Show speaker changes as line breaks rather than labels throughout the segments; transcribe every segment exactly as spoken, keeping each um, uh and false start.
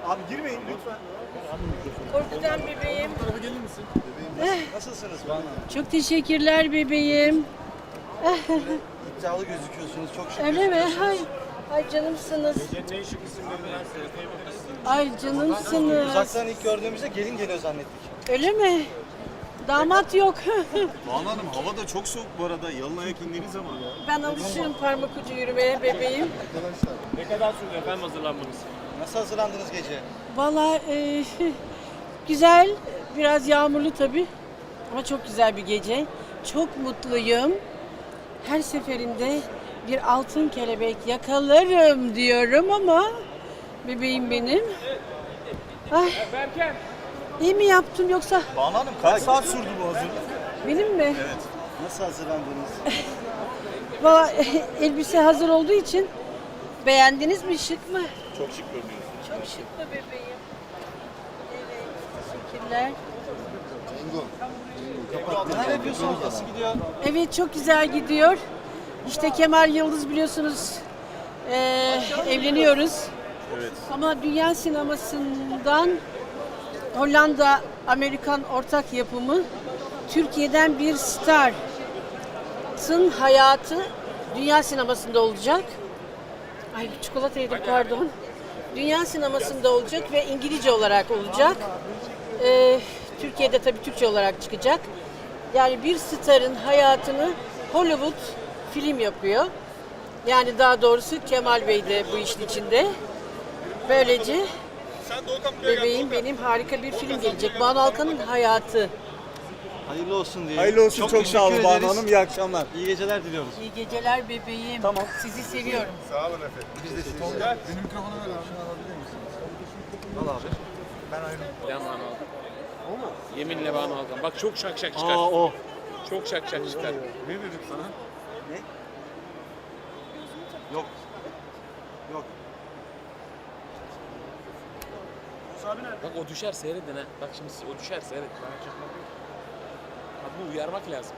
Abi girmeyin lütfen.
Korkacağım bebeğim.
Bu tarafa gelir misin? Nasılsınız Banu Hanım?
Çok teşekkürler bebeğim.
İddialı gözüküyorsunuz. Çok şık
Öyle mi?
gözüküyorsunuz.
Ay, ay canımsınız.
Ne şık isimlerinden seyredebiliriz.
Ay canımsınız.
Uzaktan ilk gördüğümüzde gelin geliyor zannettik.
Öyle mi? Damat yok.
Banu Hanım hava da çok soğuk bu arada. Yalın ayak indiğiniz zaman.
Ben alışığım parmak ucu yürümeye bebeğim.
Ne kadar sürdü efendim hazırlanmanız?
Nasıl hazırlandınız gece?
Valla e, güzel, biraz yağmurlu tabii. Ama çok güzel bir gece. Çok mutluyum. Her seferinde bir altın kelebek yakalarım diyorum ama bebeğim benim. Ay,
Berken.
iyi mi yaptım yoksa
Banu Hanım kaç saat sürdü bu hazırlık?
benim mi?
Evet. Nasıl hazırlandınız?
Valla elbise hazır olduğu için beğendiniz mi? Şık mı?
Çok şık görünüyorsunuz.
Çok şık mı bebeğim? Evet, teşekkürler.
Neler yapıyorsunuz? Nasıl gidiyor?
Evet, çok güzel gidiyor. İşte Kemal Yıldız biliyorsunuz eee, evleniyoruz.
Evet.
Ama dünya sinemasından Hollanda Amerikan ortak yapımı Türkiye'den bir starın hayatı dünya sinemasında olacak. Ay çikolata yedim pardon. Dünya sinemasında olacak ve İngilizce olarak olacak. Ee, Türkiye'de tabii Türkçe olarak çıkacak. Yani bir starın hayatını Hollywood film yapıyor. Yani daha doğrusu Kemal Bey de bu işin içinde. Böylece bebeğim benim harika bir film gelecek. Banu Alkan'ın hayatı.
Hayırlı olsun diye.
Hayırlı olsun, çok sağ olun
teşekkür
Banu
ederiz.
Hanım, iyi akşamlar.
İyi geceler diliyoruz.
İyi geceler bebeğim.
Tamam.
Sizi seviyorum.
Sağ olun efendim.
Biz de sizi.
Benim mikrofonu ver abi.
Al abi.
Ben Banu Alkan. O mu? Yeminle Banu Alkan. Bak çok şak şak çıkar.
Aa o.
Çok şak şak çıkar.
Ne dedim sana?
Ne? Yok. Yok.
Bak o düşer seyredin ha. Bak şimdi o düşer seyret. Bana çakmak yok. Kadını uyarmak lazım.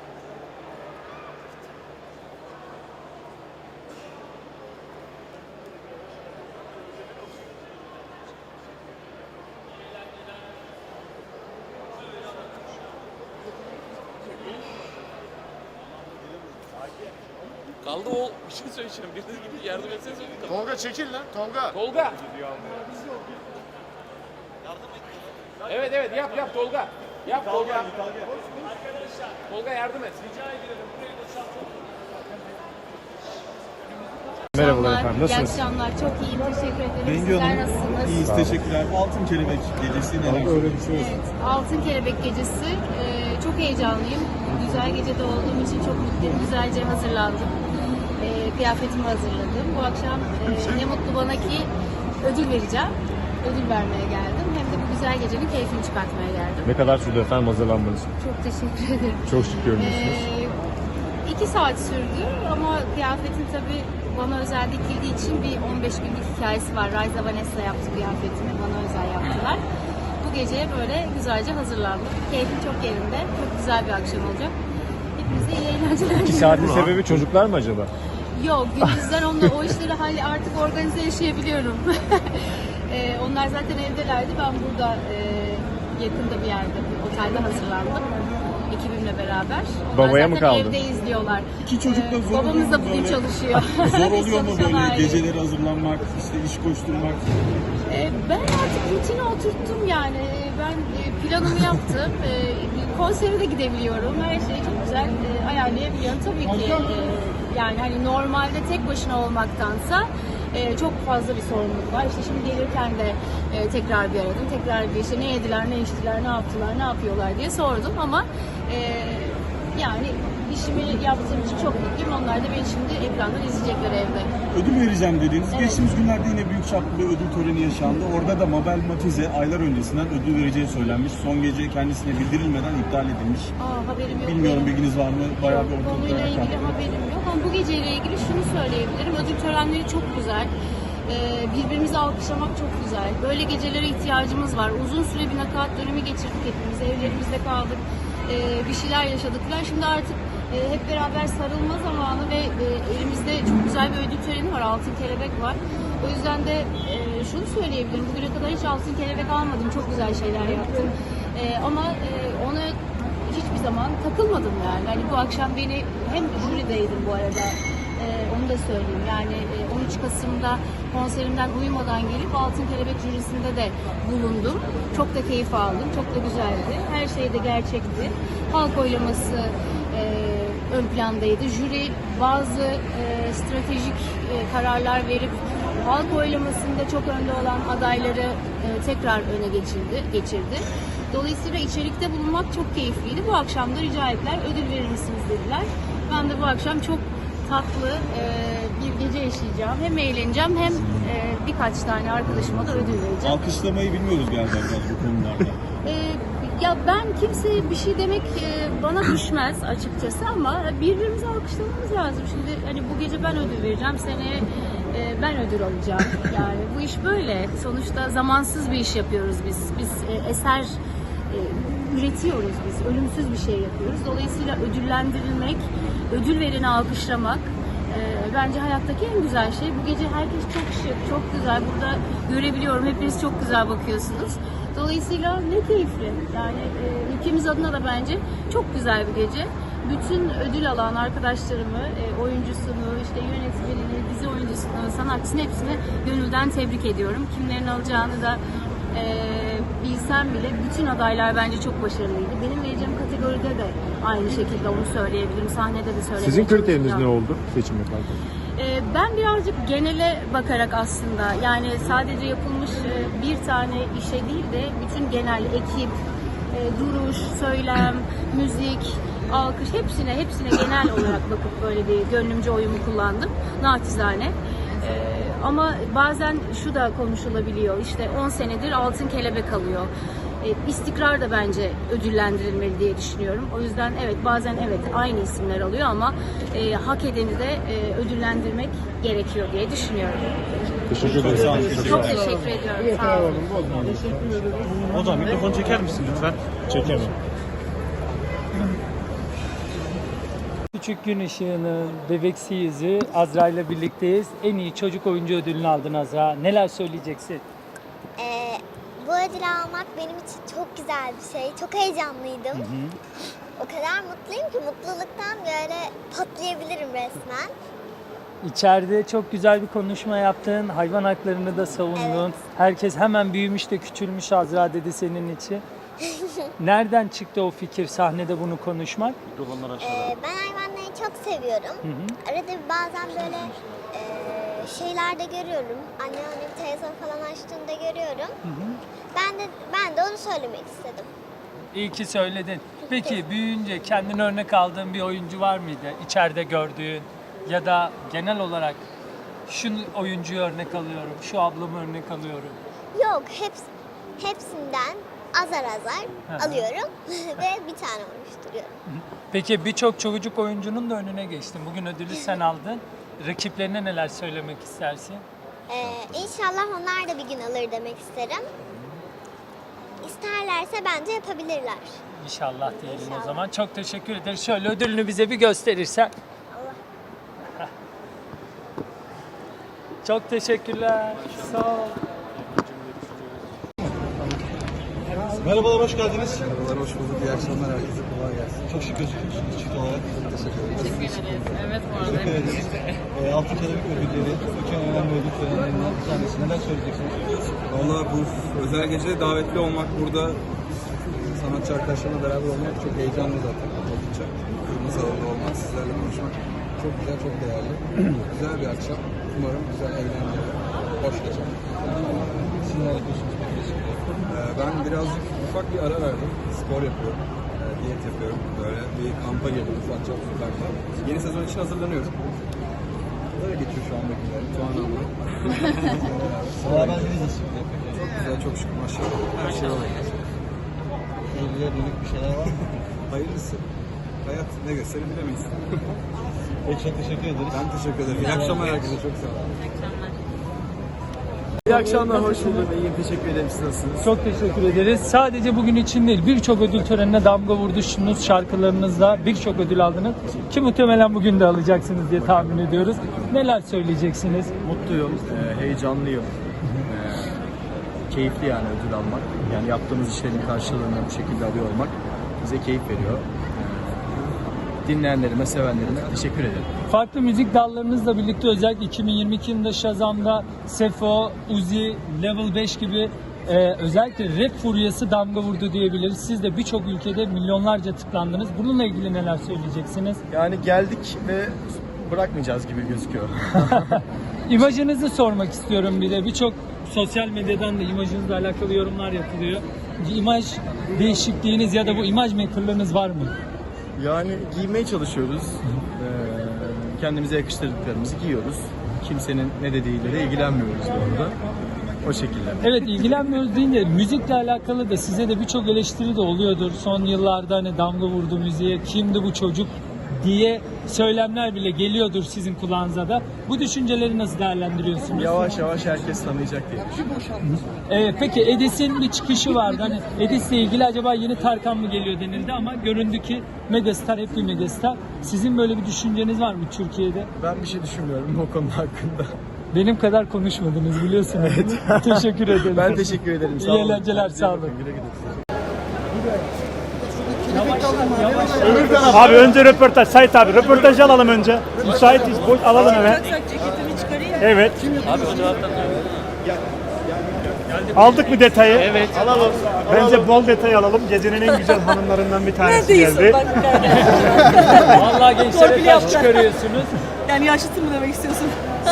Kaldı o bir şey söyleyeceğim. Biriniz gibi yardım etseniz olur.
Tolga çekil lan, Tolga.
Tolga. Evet evet yap yap Tolga. Yap Tolga. Tolga yardım et.
Merhabalar efendim, nasılsınız? İyi akşamlar, çok iyiyim, teşekkür ederim.
Bengi
Sizler
Hanım,
nasılsınız?
iyiyiz, teşekkürler. Altın Kelebek Gecesi neler söyleyeceksiniz?
Evet, Altın Kelebek Gecesi. Ee, çok heyecanlıyım. Güzel gecede olduğum için çok mutluyum. Güzelce hazırlandım. Ee, kıyafetimi hazırladım. Bu akşam e, ne mutlu bana ki ödül vereceğim. Ödül vermeye geldim. Hem de bu güzel gecenin keyfini çıkartmaya geldim.
Ne kadar sürdü efendim hazırlanmanız?
Çok teşekkür ederim.
Çok şık görünüyorsunuz.
Ee, iki saat sürdü ama kıyafetin tabii bana özel dikildiği için bir on beş günlük hikayesi var. Raiza Vanessa yaptı kıyafetimi, bana özel yaptılar. Bu geceye böyle güzelce hazırlandım. Keyfim çok yerinde, çok güzel bir akşam olacak. Hepinize iyi eğlenceler.
İki saatin sebebi çocuklar mı acaba?
Yok, gündüzden onunla o işleri hali artık organize yaşayabiliyorum. ee, onlar zaten evdelerdi, ben burada e, yakında bir yerde, bir otelde hazırlandım. Ekibimle beraber. Onlar
Babaya mı
zaten
kaldı?
evde izliyorlar.
İki çocuk da
Ee,
zor oluyor
Babamız da
mu
bugün
böyle?
çalışıyor.
Zor
Biz
oluyor mu
çalışan
böyle
aileyiz.
geceleri hazırlanmak, işte iş koşturmak?
Ee, ben artık rutine oturttum yani. Ee, Ben e, planımı yaptım. Ee, Konsere de gidebiliyorum. Her şeyi çok güzel e, ayarlayabiliyorum. Tabii ki e, yani hani normalde tek başına olmaktansa e, çok fazla bir sorumluluk var. İşte şimdi gelirken de e, tekrar bir aradım. Tekrar bir işte ne yediler, ne içtiler, ne yaptılar, ne yapıyorlar diye sordum ama e, yani işimi yaptığım için çok mutluyum. Onlar da beni şimdi ekrandan izleyecekler evde.
Ödül vereceğim dediniz.
Evet.
Geçtiğimiz günlerde yine büyük çaplı bir ödül töreni yaşandı. Orada da Mabel Matize aylar öncesinden ödül vereceği söylenmiş. Son gece kendisine bildirilmeden iptal edilmiş.
Aa, haberim yok.
Bilmiyorum
benim.
bilginiz var mı? Bayağı bir ortalıkta
Konuyla ilgili
yakan.
haberim yok ama bu geceyle ilgili şunu söyleyebilirim. Ödül törenleri çok güzel. Ee, birbirimizi alkışlamak çok güzel. Böyle gecelere ihtiyacımız var. Uzun süre bir nakaat dönemi geçirdik hepimiz. Evlerimizde kaldık. Ee, bir şeyler yaşadık. Şimdi artık e, hep beraber sarılma zamanı ve e, elimizde çok güzel bir ödül töreni var. Altın Kelebek var. O yüzden de e, şunu söyleyebilirim. Bugüne kadar hiç altın kelebek almadım. Çok güzel şeyler yaptım. Ee, ama e, ona hiçbir zaman takılmadım yani. Hani bu akşam beni hem jürideydim bu arada. Ee, onu da söyleyeyim. Yani e, on üç Kasım'da konserimden uyumadan gelip Altın Kelebek jürisinde de bulundum. Çok da keyif aldım. Çok da güzeldi. Her şey de gerçekti. Halk oylaması e, ön plandaydı. Jüri bazı e, stratejik e, kararlar verip halk oylamasında çok önde olan adayları e, tekrar öne geçirdi, geçirdi. Dolayısıyla içerikte bulunmak çok keyifliydi. Bu akşam da rica ettiler, ödül verir misiniz dediler. Ben de bu akşam çok tatlı e, bir gece yaşayacağım. Hem eğleneceğim hem e, birkaç tane arkadaşıma da ödül vereceğim.
Alkışlamayı bilmiyoruz galiba biraz bu konularda.
E, ya ben kimseye bir şey demek e, bana düşmez açıkçası ama birbirimizi alkışlamamız lazım. Şimdi hani bu gece ben ödül vereceğim, seneye e, ben ödül alacağım. Yani bu iş böyle. Sonuçta zamansız bir iş yapıyoruz biz. Biz e, eser e, üretiyoruz biz. Ölümsüz bir şey yapıyoruz. Dolayısıyla ödüllendirilmek, ödül vereni alkışlamak e, bence hayattaki en güzel şey. Bu gece herkes çok şık, çok güzel. Burada görebiliyorum. Hepiniz çok güzel bakıyorsunuz. Dolayısıyla ne keyifli. Yani e, ülkemiz adına da bence çok güzel bir gece. Bütün ödül alan arkadaşlarımı, e, oyuncusunu, işte yönetmenini, dizi oyuncusunu, sanatçısını hepsini gönülden tebrik ediyorum. Kimlerin alacağını da e, bilsem bile bütün adaylar bence çok başarılıydı. Benim vereceğim kategoride de aynı şekilde onu söyleyebilirim. Sahnede de söyleyebilirim.
Sizin kriteriniz ne oldu seçim yaparken?
Ee, Ben birazcık genele bakarak aslında yani sadece yapılmış e, bir tane işe değil de bütün genel ekip, e, duruş, söylem, müzik, alkış hepsine hepsine genel olarak bakıp böyle bir gönlümce oyumu kullandım naçizane. Ee, Ama bazen şu da konuşulabiliyor işte on senedir Altın Kelebek alıyor. E, istikrar da bence ödüllendirilmeli diye düşünüyorum. O yüzden evet bazen evet aynı isimler alıyor ama e, hak edeni de e, ödüllendirmek gerekiyor diye düşünüyorum.
Teşekkür ederim.
Çok teşekkür ediyorum. Sağ olun.
Hocam mikrofonu çeker misin lütfen?
Çekemem.
Küçük Gün Işığı'nın bebeksi yüzü Azra ile birlikteyiz. En iyi çocuk oyuncu ödülünü aldın Azra. Neler söyleyeceksin?
Ee, bu ödülü almak benim için çok güzel bir şey. Çok heyecanlıydım.
Hı hı.
O kadar mutluyum ki mutluluktan böyle patlayabilirim resmen.
İçeride çok güzel bir konuşma yaptın. Hayvan haklarını da savundun.
Evet.
Herkes hemen büyümüş de küçülmüş Azra dedi senin için. Nereden çıktı o fikir sahnede bunu konuşmak?
Ee, ben hayvanları çok seviyorum.
Hı hı.
Arada bir bazen böyle e, şeylerde görüyorum. Annem annem televizyon falan açtığında görüyorum.
Hı hı.
Ben de ben de onu söylemek istedim.
İyi ki söyledin. Peki büyüyünce kendine örnek aldığın bir oyuncu var mıydı? İçeride gördüğün ya da genel olarak şu oyuncuyu örnek alıyorum, şu ablamı örnek alıyorum.
Yok, heps, hepsinden azar azar
Hı hı.
alıyorum ve bir tane oluşturuyorum.
Peki birçok çocuk oyuncunun da önüne geçtin. Bugün ödülü sen aldın. Rakiplerine neler söylemek istersin?
Ee, inşallah onlar da bir gün alır demek isterim. İsterlerse bence yapabilirler.
İnşallah diyelim
İnşallah.
o zaman. Çok teşekkür ederiz. Şöyle ödülünü bize bir gösterirsen.
Allah.
Çok teşekkürler. Sağ ol.
Merhabalar, hoş geldiniz.
Merhabalar, hoş bulduk. İyi akşamlar herkese. Kolay gelsin.
Çok şık gözüküyorsunuz çift olarak.
Teşekkür ederim.
Teşekkür ederiz. Evet bu arada.
Teşekkür ederiz. Ee, Altın Kelebek ödülleri, iki önemli ödül törenlerinden bir tanesi. Neler söyleyeceksiniz?
Valla bu özel gecede davetli olmak, burada sanatçı arkadaşlarımla beraber olmak çok heyecanlı zaten. Oldukça. Kırmızı alanda olmak, sizlerle konuşmak çok güzel, çok değerli. Güzel bir akşam. Umarım güzel, eğlenceli, hoş geçer.
Siz neler yapıyorsunuz?
Ee, ben birazcık ufak bir ara verdim. Spor yapıyorum. Ee, diyet yapıyorum. Böyle bir kampa girdim. Ufakça ufakta. Yeni sezon için hazırlanıyorum. Böyle geçiyor şu anda günler. Tuğan'la.
Beraber nasıl?
Çok güzel, çok şükür maşallah. Her şey var.
Evliliğe dönük bir şeyler var mı?
Hayırlısı. Hayat ne gösterir bilemeyiz.
Peki, çok teşekkür ederiz.
Ben teşekkür ederim. İyi akşamlar herkese. Çok sağ olun.
İyi akşamlar, hoş bulduk. İyiyim, teşekkür ederim. Siz nasılsınız?
Çok teşekkür ederiz. Sadece bugün için değil, birçok ödül törenine damga vurdunuz şarkılarınızla. Birçok ödül aldınız. Ki muhtemelen bugün de alacaksınız diye tahmin ediyoruz. Neler söyleyeceksiniz?
Mutluyum, e, heyecanlıyım. E,
keyifli yani ödül almak. Yani yaptığımız işlerin karşılığını bu şekilde alıyor olmak bize keyif veriyor. Dinleyenlerime, sevenlerime teşekkür ederim.
Farklı müzik dallarınızla birlikte özellikle iki bin yirmi iki yılında Shazam'da Sefo, Uzi, Level beş gibi e, özellikle rap furyası damga vurdu diyebiliriz. Siz de birçok ülkede milyonlarca tıklandınız. Bununla ilgili neler söyleyeceksiniz?
Yani geldik ve bırakmayacağız gibi gözüküyor.
İmajınızı sormak istiyorum bir de. Birçok sosyal medyadan da imajınızla alakalı yorumlar yapılıyor. İmaj değişikliğiniz ya da bu imaj makerlığınız var mı?
Yani giymeye çalışıyoruz. Ee, kendimize yakıştırdıklarımızı giyiyoruz. Kimsenin ne dediğiyle de ilgilenmiyoruz bu arada. O şekilde.
Evet, ilgilenmiyoruz deyince müzikle alakalı da size de birçok eleştiri de oluyordur. Son yıllarda hani damga vurdu müziğe, kimdi bu çocuk diye söylemler bile geliyordur sizin kulağınıza da. Bu düşünceleri nasıl değerlendiriyorsunuz?
Yavaş yavaş herkes tanıyacak diye düşünüyorum.
Ee, peki Edis'in bir çıkışı vardı. Hani Edis'le ilgili acaba yeni Tarkan mı geliyor denildi ama göründü ki megastar, hep bir megastar. Sizin böyle bir düşünceniz var mı Türkiye'de?
Ben bir şey düşünmüyorum o konu hakkında.
Benim kadar konuşmadınız biliyorsunuz. Evet. Teşekkür ederim.
Ben teşekkür ederim. Sağ
İyi
olun.
eğlenceler, sağ olun.
Güle güle.
Abi önce röportaj. Sait abi röportajı alalım önce. Müsaitiz. Boş alalım hemen. Evet.
Abi o cevaptan
Aldık mı detayı? Evet. Alalım. Bence bol detay alalım. Gecenin en güzel hanımlarından bir tanesi geldi.
Vallahi gençlere taş çıkarıyorsunuz.
Yani yaşlısın mı demek istiyorsun?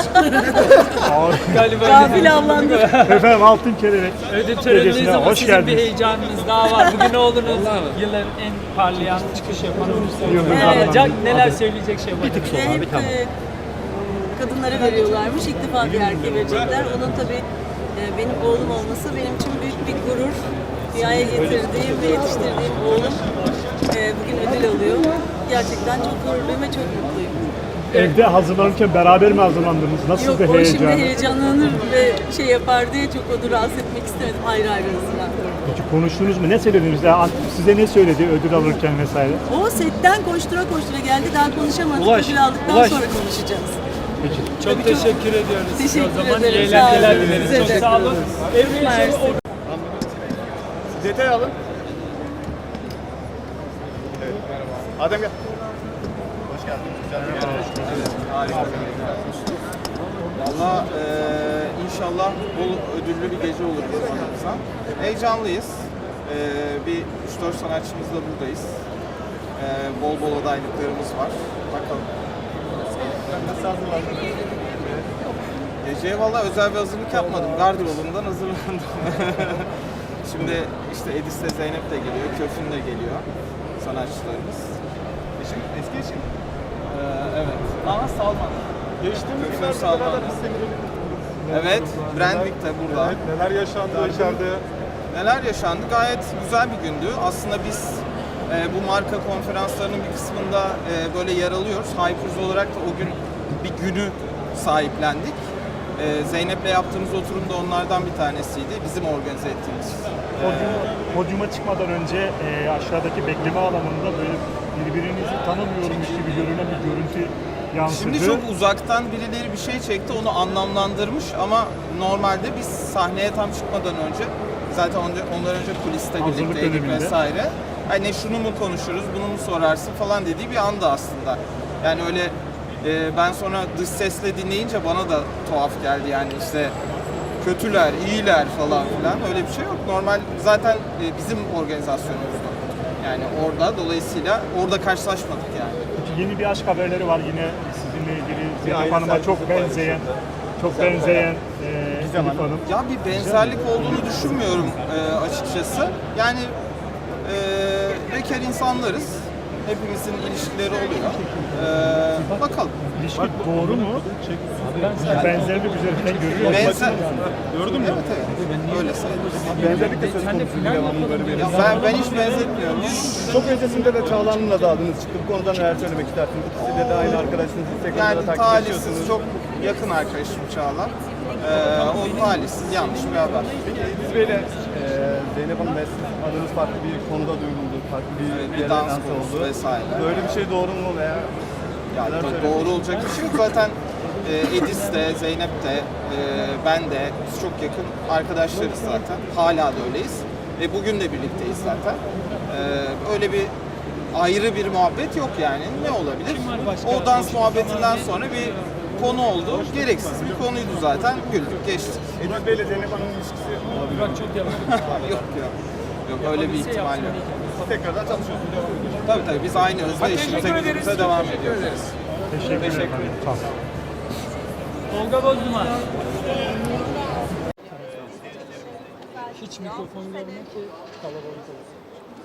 Galiba
Gafil avlandı.
Efendim altın kelebek.
ödül töreninizde
Gecesine
ama
hoş
sizin bir
geldiniz.
heyecanınız daha var. Bugün oğlunuz yılların en parlayan çıkış yapan
Yıldız
oyuncusu olacak.
Hanım.
Neler söyleyecek şey var?
Bir tık sonra abi tamam.
Kadınlara veriyorlarmış. İlk defa bir erkeğe verecekler. Onun tabii e, benim oğlum olması benim için büyük bir gurur. Dünyaya getirdiğim ve yetiştirdiğim oğlum e, bugün ödül alıyor. Gerçekten çok gururluyum ve çok mutluyum.
Evde hazırlanırken beraber mi hazırlandınız? Nasıl
Yok,
bir
o şimdi
heyecan?
heyecanlanır ve şey yapar diye çok onu rahatsız etmek istemedim. Ayrı ayrı hazırlandım.
Peki konuştunuz mu? Ne söylediniz? Ya, size ne söyledi ödül alırken vesaire?
O setten koştura koştura geldi. Daha konuşamadık.
Ulaş,
Ödül aldıktan
ulaş.
sonra konuşacağız.
Peki.
Çok teşekkür ediyoruz.
Teşekkür
O zaman
ederim.
iyi
Sağ olun.
eğlenceler dileriz.
Size
Çok
de.
sağ olun. Evliye
Mersi.
Detay alın. Evet, merhaba. Adem gel. Hoş geldin. Güzel bir yer. Harika. Valla e, inşallah bol ödüllü bir gece olur bizim adımıza. Heyecanlıyız. E, bir üç dört sanatçımızla buradayız. E, bol bol adaylıklarımız var. Bakalım. Nasıl hazırlandın? Geceye valla özel bir hazırlık yapmadım. Gardırobumdan hazırlandım. Şimdi işte Edis de Zeynep de geliyor, Köfün de geliyor sanatçılarımız. Eşim, eski eşim. Ee, evet. Ama Salman. Geçtiğimiz günlerde beraber biz seni Evet, Brandwick de burada. Evet, neler yaşandı içeride? Neler yaşandı? Gayet güzel bir gündü. Aslında biz e, bu marka konferanslarının bir kısmında e, böyle yer alıyoruz. Hypers olarak da o gün bir günü sahiplendik. Ee, Zeynep'le yaptığımız oturum da onlardan bir tanesiydi. Bizim organize ettiğimiz.
Podyuma, podyuma çıkmadan önce e, aşağıdaki bekleme alanında böyle birbirinizi tanımıyormuş gibi görünen bir görüntü yansıdı.
Şimdi çok uzaktan birileri bir şey çekti, onu anlamlandırmış ama normalde biz sahneye tam çıkmadan önce zaten ondan önce kuliste
Hazırlık
birlikteydik
döneminde.
vesaire. Hani şunu mu konuşuruz, bunu mu sorarsın falan dediği bir anda aslında. Yani öyle e, ben sonra dış sesle dinleyince bana da tuhaf geldi yani işte kötüler, iyiler falan filan öyle bir şey yok. Normal zaten e, bizim organizasyonumuzda. Yani orada dolayısıyla orada karşılaşmadık yani.
Peki yeni bir aşk haberleri var yine sizinle ilgili. Zeynep Hanım'a çok benzeyen, çok benzeyen e, Zeynep Hanım.
Ya bir benzerlik olduğunu düşünmüyorum e, açıkçası. Yani e, bekar insanlarız. Hepimizin ilişkileri oluyor. E, bakalım.
İlişki doğru mu? Benzerlik üzerinden görüyor musun?
Benzer... Gördün mü? Evet evet. Öyle sayılır.
Benzerlik de söz konusu bir devamlı böyle bir.
Ya ben, ben hiç benzetmiyorum.
Çok öncesinde de Çağla'nınla da adınız çıktı. Bu konuda neler söylemek istersiniz? İkisi de aynı arkadaşınız. Instagram'da
Yani
takip
talihsiz,
ediyorsunuz.
çok yakın arkadaşım Çağla. Ee, o talihsiz, yanlış bir haber.
Peki İdris Bey'le e, Zeynep Hanım'la adınız farklı bir konuda duyuldu. Farklı bir,
Evet,
bir
bir
yere
dans
lanse
konusu
oldu.
vesaire.
Böyle bir şey doğru mu veya
Ya
neler
do-
söyleyeyim?
doğru olacak bir şey yok. Zaten
e, Edis de, Zeynep de, e, ben de, biz çok yakın arkadaşlarız zaten. Hala da öyleyiz. Ve bugün de birlikteyiz zaten. E, öyle bir ayrı bir muhabbet yok yani. Ne olabilir? O dans muhabbetinden sonra bir konu oldu. Gereksiz bir konuydu zaten. Güldük, geçtik.
Edis Bey ile Zeynep Hanım'ın ilişkisi
Burak çok yalan.
yok yok. Yok öyle bir ihtimal yok.
tekrardan çalışıyorsunuz.
Tabii tabii biz aynı hızda işimize gücümüze devam ediyoruz.
Teşekkür,
Teşekkür
ederim.
ederim.
Sağ olun.
Tolga Bozduman. Hiç mikrofon görme ki kalabalık olsun.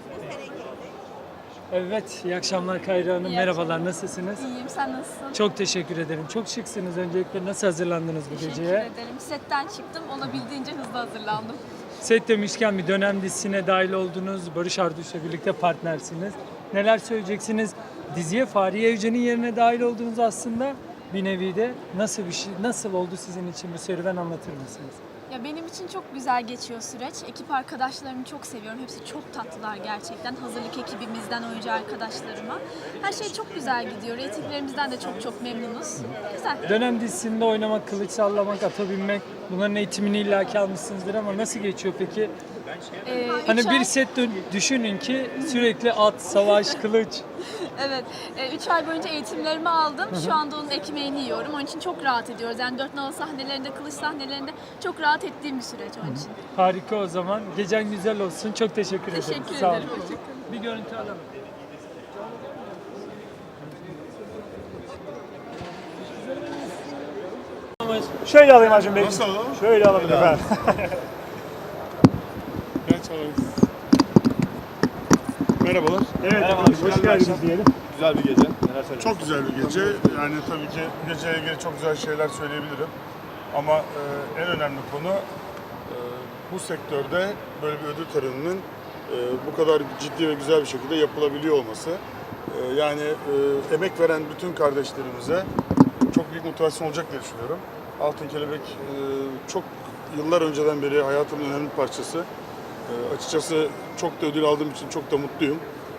Evet, iyi akşamlar Kayra Hanım.
İyi
Merhabalar, nasılsınız?
İyiyim, sen nasılsın?
Çok teşekkür ederim. Çok şıksınız. Öncelikle nasıl hazırlandınız bu
Teşekkür
geceye?
ederim. Setten çıktım, olabildiğince hızlı hazırlandım.
Set demişken bir dönem dizisine dahil oldunuz. Barış Arduç'la birlikte partnersiniz. Neler söyleyeceksiniz? Diziye Fahriye Evcen'in yerine dahil oldunuz aslında. Bir nevi de nasıl bir şey, nasıl oldu sizin için bu serüven, anlatır mısınız?
Ya benim için çok güzel geçiyor süreç. Ekip arkadaşlarımı çok seviyorum. Hepsi çok tatlılar gerçekten. Hazırlık ekibimizden oyuncu arkadaşlarıma. Her şey çok güzel gidiyor. Reytinglerimizden de çok çok memnunuz. Güzel.
Dönem dizisinde oynamak, kılıç sallamak, ata binmek, bunların eğitimini illaki almışsınızdır ama nasıl geçiyor peki?
Ee,
Hani
üç
bir
ay-
set dön- düşünün ki sürekli at, savaş, kılıç.
Evet. üç ay boyunca eğitimlerimi aldım. Şu anda onun ekmeğini yiyorum. Onun için çok rahat ediyoruz. Yani dört nala sahnelerinde, kılıç sahnelerinde çok rahat ettiğim bir süreç onun için.
Harika o zaman. Gecen güzel olsun. Çok teşekkür ederim.
Teşekkür
Sağ olun.
ederim. Teşekkür ederim.
Bir görüntü alalım.
Şöyle alayım Acun Bey. Nasıl alalım? Şöyle alalım efendim.
Merhabalar.
Evet,
Merhaba,
efendim,
güzel
hoş
bir
geldiniz
akşam.
diyelim.
Güzel bir gece. Neler söyleyeceksiniz? Çok güzel bir gece. Yani tabii ki geceyle ilgili çok güzel şeyler söyleyebilirim. Ama e, en önemli konu e, bu sektörde böyle bir ödül töreninin e, bu kadar ciddi ve güzel bir şekilde yapılabiliyor olması. E, yani e, emek veren bütün kardeşlerimize çok büyük motivasyon olacak diye düşünüyorum. Altın Kelebek e, çok yıllar önceden beri hayatımın önemli bir parçası. E, açıkçası çok da ödül aldığım için çok da mutluyum.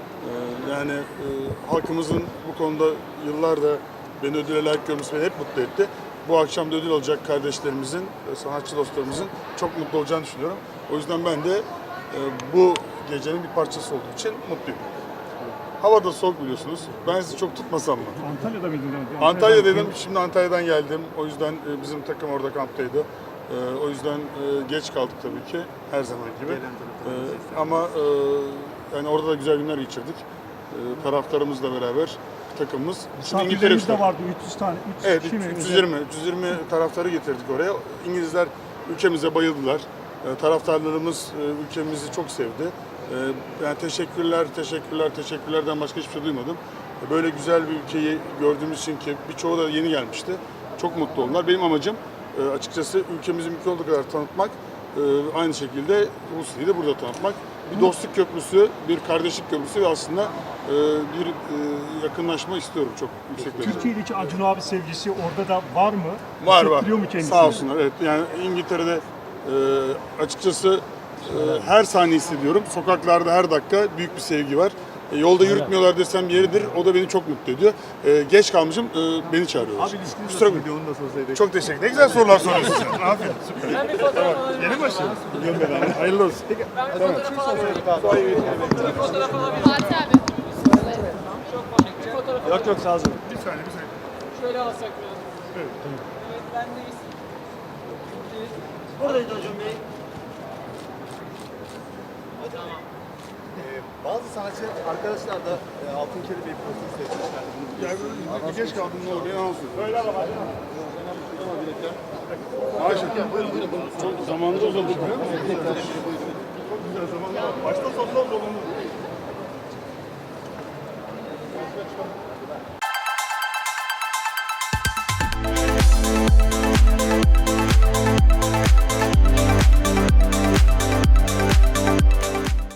E, yani e, halkımızın bu konuda yıllarda beni ödüle layık görmesi beni hep mutlu etti. Bu akşam da ödül alacak kardeşlerimizin, e, sanatçı dostlarımızın çok mutlu olacağını düşünüyorum. O yüzden ben de e, bu gecenin bir parçası olduğu için mutluyum. Hava da soğuk biliyorsunuz. Ben sizi çok tutmasam mı?
Antalya'da mıydın?
Antalya'daydım. Şimdi Antalya'dan geldim. O yüzden e, bizim takım orada kamptaydı. E, o yüzden e, geç kaldık tabii ki. Her zaman gibi. E, ama e, yani orada da güzel günler geçirdik. E, taraftarımızla beraber takımımız. Şimdi
Misafirlerimiz de vardı. üç yüz tane. üç yüz
Evet,
kişi mi?
üç yüz yirmi. üç yüz yirmi taraftarı getirdik oraya. İngilizler ülkemize bayıldılar. E, taraftarlarımız e, ülkemizi çok sevdi. E, yani teşekkürler, teşekkürler, teşekkürlerden başka hiçbir şey duymadım. E, böyle güzel bir ülkeyi gördüğümüz için ki birçoğu da yeni gelmişti. Çok mutlu oldular. Benim amacım e, açıkçası ülkemizi mümkün olduğu kadar tanıtmak. E, aynı şekilde Rusya'yı da burada tanıtmak. Bir dostluk köprüsü, bir kardeşlik köprüsü ve aslında e, bir e, yakınlaşma istiyorum çok yüksek derecede.
Türkiye'deki Acun abi sevgisi orada da var mı?
Var var.
Hissettiriyor mu kendisini?
Sağ olsunlar. Evet. Yani İngiltere'de e, açıkçası e, her saniye hissediyorum. Sokaklarda her dakika büyük bir sevgi var. E, yolda yürütmüyorlar desem yeridir. O da beni çok mutlu ediyor. E, geç kalmışım. E, beni çağırıyorlar.
Abi ilişkiniz
Kusura
nasıl
bakmayın.
gidiyor? Onu da sorsaydık.
Çok teşekkür ederim. Ne güzel sorular soruyorsun sen. Aferin. Süper.
Ben bir fotoğraf alabilir miyim?
Yeni başlıyoruz. Biliyorum ben abi. Hayırlı olsun.
Ben bir fotoğraf alabilir miyim? Bir fotoğraf alabilir miyim?
Fatih abi.
Çok komik. Bir fotoğraf
Yok yok sağ olun.
Bir saniye bir saniye.
şöyle alsak biraz.
Evet.
Evet, bendeyiz.
Buradayız Acun Bey. Ee, bazı sanatçı arkadaşlar da e, Altın Kelebek profili seçmişler.
Yani böyle geç kaldım ne olur? Yalan söylüyorum. Öyle ama hadi. Maşallah. Çok zamanda uzadı biliyor musun? Çok güzel zamanda. Başta sonunda olumlu.